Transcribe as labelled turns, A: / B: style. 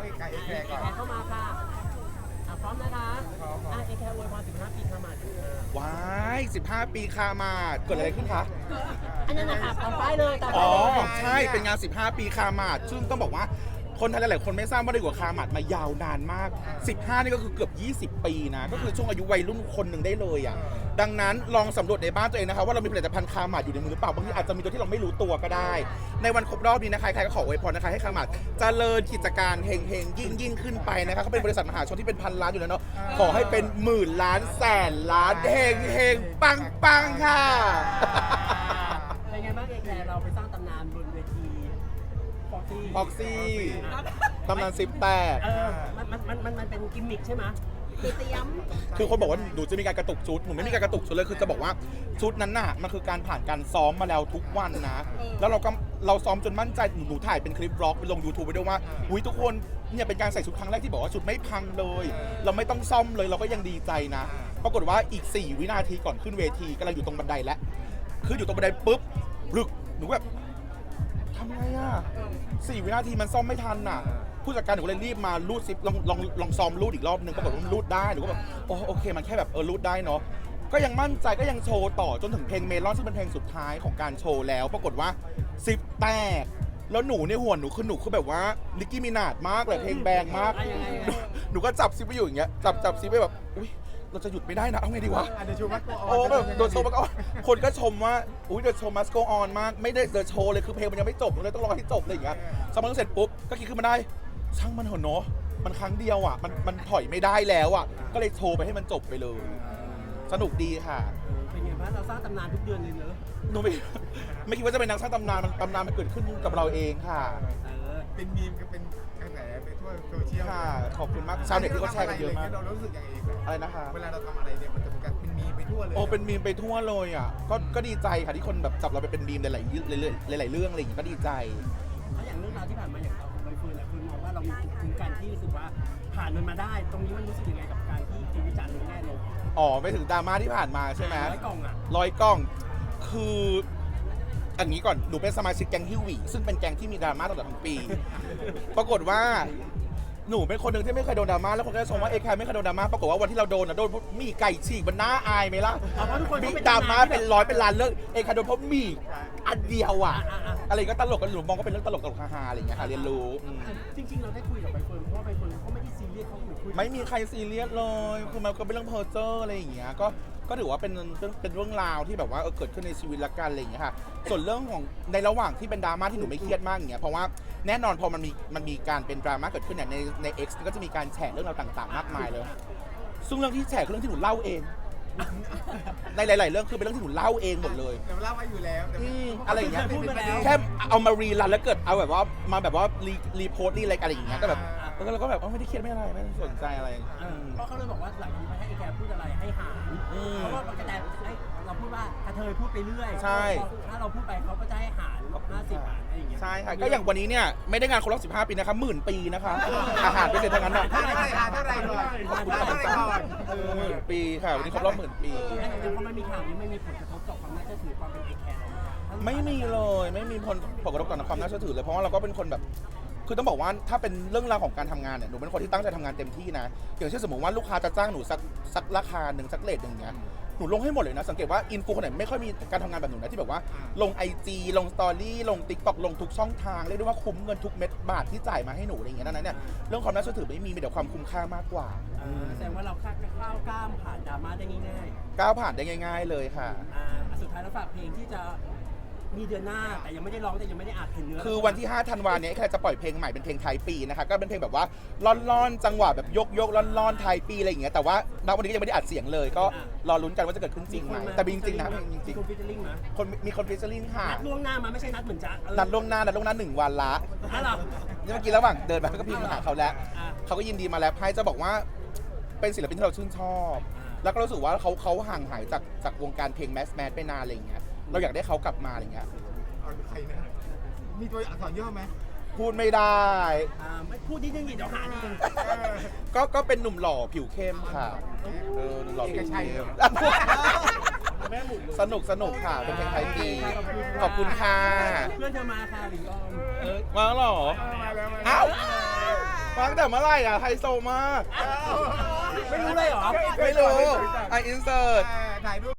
A: เอกไก่เอกแคร์ก่อน
B: เข้ามาค่ะพร้อมนะคะเอแคร์อวยพร15 ปีคามาถึง
C: ว้าย15 ปีคามาเกิดอะไรขึ้นคะ
B: อันนั้นนะคะตามป้ายเลยตาม
C: อ๋
B: ป้า
C: อย
B: เลย
C: ใช่เป็นงาน15 ปีคามาซึ่งต้องบอกว่าคนไทยหลายๆคนไม่ทราบว่าได้อยู่กับคามาดมายาวนานมาก15นี่ก็คือเกือบ20 ปีนะก็คือช่วงอายุวัยรุ่นคนหนึ่งได้เลยอ่ะดังนั้นลองสำรวจในบ้านตัวเองนะคะว่าเรามีผลิตภัณฑ์คามาดอยู่ในมือหรือเปล่าบางทีอาจจะมีตัวที่เราไม่รู้ตัวก็ได้ ในวันครบรอบนี้นะคะใครก็ขออวยพรนะคะให้คามาดเจริญกิจการเฮงๆยิ่งขึ้นไปนะคะเขาเป็นบริษัทมหาชนที่เป็นพันล้านอยู่แล้วเนาะขอให้เป็นหมื่นล้านแสนล้านเฮงปังค่ะ
B: เป็นไงบ้างเอแคร์เราไปสร้างตำนานบนเวทีฟ็อกซี่
C: ตำนาน10 แตก
B: มันเป็นกิมมิคใช่ไหมเตรียม
C: คือคนบอกว่าหนูจะมีการกระตุกชุดหนูไม่มีการกระตุกชุดเลยคือจะบอกว่าชุดนั้นน่ะมันคือการผ่านการซ้อมมาแล้วทุกวันนะแล้วเราซ้อมจนมั่นใจหนูถ่ายเป็นคลิปบล็อกไปลง YouTube ไปด้วยว่าอุ้ยทุกคนเนี่ยเป็นการใส่ชุดครั้งแรกที่บอกว่าชุดไม่พังเลย เราไม่ต้องซ่อมเลยเราก็ยังดีใจนะปรากฏว่าอีก4 วินาทีก่อนขึ้นเวทีกำลังอยู่ตรงบันไดแล้วคืออยู่ตรงบันไดปุ๊บรึกหนูแบบทำไงอ่ะ4 วินาทีมันซ่อมไม่ทันน่ะผู้จัดการหนูเลยรีบมารูดซิปลองซ้อมรูดอีกรอบนึงปรากฏว่ามันรูดได้หนูก็แบบโอเคมันแค่แบบรูดได้เนาะก็ยังมั่นใจก็ยังโชว์ต่อจนถึงเพลงเมลอนซึ่งเป็นเพลงสุดท้ายของการโชว์แล้วปรากฏว่าซิปแตกแล้วหนูในหัวหนูคือแบบว่านิกกี้มินาจมากเลยเพลงแบงมากหนูก็จับซิปไปอยู่อย่างเงี้ยจับซิปไปแบบอุ้ยเราจะหยุดไม่ได้นะเอาไงดีวะโอ้แบบโดนโชว์มาก็คนก็ชมว่าอุ้ยเดอะโชว์มัสโกออนมากไม่ได้เดอะโชว์เลยคือเพลงมันยังไม่จบเลยต้องรอให้จบเลยอย่างเงี้ยสมัครเสร็จปุ๊บก็คิดขึ้นมาได้ช่างมันเถอะเนาะมันครั้งเดียวอ่ะมันถอยไม่ได้แล้วอ่ะก็เลยโชว์ไปให้มันจบไปเลยสนุกดีค่ะ
B: เป็นไงบ้างเราสร้างตำนานทุกเดือนเลยเนอะ
C: หนูไม่คิดว่าจะเป็นนักสร้างตำนานมันเกิดขึ้นกับเราเองค่ะ
A: เป็นมีมก็เป็นกระแสไปทั่วโซเชียล
C: ค่ะขอบคุณมากชาวเน็ตที่เขาแชร์กันเยอะมาก
A: เรารู้สึกยังไง
C: อะไรนะคะ
A: เวลาเราทำอะไรเนี่ยมันจะเป็นการเป็นมีมไปทั่วเลย
C: โอ้เป็นมีมไปทั่วเลยอ่ะก็ดีใจค่ะที่คนแบบจับเราไปเป็นมีมหลายๆเรื่องอะไรอย่างเงี้ยก็ดีใจ
B: แล้วอย่างเรื่องราวที่ผ่านมาอย่างเราใบเฟิร์นคุณมองว่าเรามีภูมิคุ้มกันที่รู้สึกว่าผ่านมันมาได้ ตรงนี้มันรู้สึกยังไงกับการที่คุณวิจารณ์ลงแง่ลง
C: อ๋อไปถึงดราม่าที่ผ่านมาใช่ไหม
B: 100 กล่องอ่ะ
C: 100 กล่องคืออันนี้ก่อนหนูเป็นสมาชิกแก๊งฮิววีซึ่งเป็นแก๊งที่มีดราม่าตลอดทั้งปี ปรากฏว่าหนูเป็นคนหนึ่งที่ไม่เคยโดนดราม่าแล้วคนก็ชมว่าเอแคร์ไม่เคยโดนดราม่าปรากฏว่าวันที่เราโดนนะโดนเพราะมีไก่ฉีกมันน่าอายไหมล่ะ
B: เพราะทุกคน
C: มี
B: เขาเป็น
C: ดราม่า
B: ที่
C: เป็นร้อยเป็นล้านเรื่องเอแคร์โดนเพราะมีอันเดียวอ่ะอะไรก็ตลกกันหนูมองก็เป็นเรื่องตลกฮาๆอะไรอย่างเงี้ยค่ะเรียนรู้
B: จริงๆเราได้คุยกับใบเฟิร์นเพราะว่าใบเฟิร์นเขาไม่ได้ซีเรียสเขาเหมือนคุย
C: ไม่มีใครซีเรียสเลยคือมันก็เป็นเรื่องเพอร์เจอร์อะไรอย่างเงี้ยก็ถือว่าเป็นเรื่องราวที่แบบว่าเกิดขึ้นในชีวิตละกันอะไรอย่างเงี้ยค่ะส่วนเรื่องของในระหว่างที่เป็นดราม่าที่หนูไม่เครียดมากอย่างเงี้ยเพราะว่าแน่นอนพอมันมีการเป็นดราม่าเกิดขึ้นเนี่ยใน X ก็จะมีการแฉเรื่องราวต่างๆมากมายเลยซึ่งเรื่องที่แฉคือเรื่องที่หนูเล่าเองในหลายๆเรื่องคือเป็นเรื่องที่หนูเล่าเองหมดเลย
A: แต่เล่าไว้อยู่แล้ว
C: อะไรอย่างเงี้ย
B: พูดมาแล้ว
C: แค่เอามารีรันแล้วเกิดเอาแบบว่ามาแบบว่ารีโพสต์อะไรอย่างเงี้ยก็แบบแล้วก็แบบไม่ได้เครียดไม่อะไรไม่ได้สนใจอะไร
B: เพราะเขาเลยบอกว่าหลังจากนี้ให้แกพูดอะไรให้หารเพราะว่าปกติเราพูดว่ากระเทยพูดไปเรื่อยถ้าเราพูดไปเขาก็จะให้หาร50 บาทอะไรอย่างเงี้ย
C: ใช่ค่ะก็อย่างวันนี้เนี่ยไม่ได้งานครบ15 ปีนะคะ10,000 ปีนะคะอาหารไปเสร็จทั้งนั้นอ่ะ
A: เท่าไหร่ก่อน
C: 10,000 ปีค่ะวันนี้ครบรอบ10,000 ปี
B: แต่พอมันมีข่าวนี้ไม่มีผลกระทบต่อความน่าเชื่อถือความเป็นเอแคร์เรา
C: ไม่มีเลยไม่มีผลกระทบต่อความน่าเชื่อถือเลยเพราะว่าเราก็เป็นคนแบบคือต้องบอกว่าถ้าเป็นเรื่องราวของการทำงานเนี่ยหนูเป็นคนที่ตั้งใจทำงานเต็มที่นะอย่างเช่นสมมติว่าลูกค้าจะจ้างหนูสักราคาหนึ่งสักเรทหนึ่งเนี้ยหนูลงให้หมดเลยนะสังเกตว่าอินฟูคนไหนไม่ค่อยมีการทำงานแบบหนูนะที่แบบว่าลง IG ลงสตอรี่ลง TikTok ลงทุกช่องทางเรียกได้ว่าคุ้มเงินทุกเม็ดบาทที่จ่ายมาให้หนูอะไรอย่างเงี้ยนั้นเนี่ยเรื่องความน่าเชื่อถือไม่มีแต่ความคุ้มค่ามากกว่า
B: แสดงว่าเราก้าวข้ามผ่านดราม่าได้ง่าย
C: ก้าวผ่านได้ง่าย ๆเลยค่ะ
B: สุดท้ายแล้วฝากเพลงที่จะมีเดือนหน้าแต่ยังไม่ได้ร้องแต่ยังไม่ได้อัดเห็นเนื้อ
C: คือวันที่5 ธันวาคมนี้แค่จะปล่อยเพลงใหม่เป็นเพลงไทยปีนะคะก็เป็นเพลงแบบว่าล่อนๆจังหวะแบบยกล่อนๆไทยปีอะไรอย่างเงี้ยแต่ว่าณวันนี้ก็ยังไม่ได้อัดเสียงเลยก็รอลุ้นกันว่าจะเกิดขึ้นจริงไหมแต่จริงๆนะเพลงจริง
B: คนฟิชเชอร์ลิงนะ
C: ๆมีคนฟิชเชอร์ลิงค่ะ
B: นัดล่วงหน้ามาไม่ใช่นัดเหมือนจ๊ะ
C: นัดล่วงหน้า1 วันละ
B: นั่นหรอ
C: นี่เมื่อกี้ระหว่างเดินไปก็พิมพ์หาเขาแล้วเขาก็ยินดีมาแล้วให้จะบอกว่าเป็นศิลปินที่เราชื่นชอบแล้วก็รู้สึกว่าเขาห่างหายจากวงการเพลงแมสไปนานอะไรอย่างเงี้ยเราอยากได้เขากลับมาอะไรเงี้ย
A: ใครนะมีตัวอักษรย่อไหม
C: พูดไม่ได้
B: ไม่พูดนิดนึงเดี๋ยวหานิดนึง
C: ก็เป็นหนุ่มหล่อผิวเข้มค่ะหนุ่มหล่อผิวเข้มสนุกค่ะเป็นเพลงไทยดีขอบคุณค่ะ
B: เพื่อนเธอมาค่ะหลิงออม
C: มาแล้วเหรอ
A: มาแล้ว
C: อ้าวมาตั้งแต่เมื่อไหร่อ่ะไฮโซมาก
B: ไม่รู้เลยเหรอ
C: ไม่รู้ไออินเสิร์ต
A: ถ่ายรูป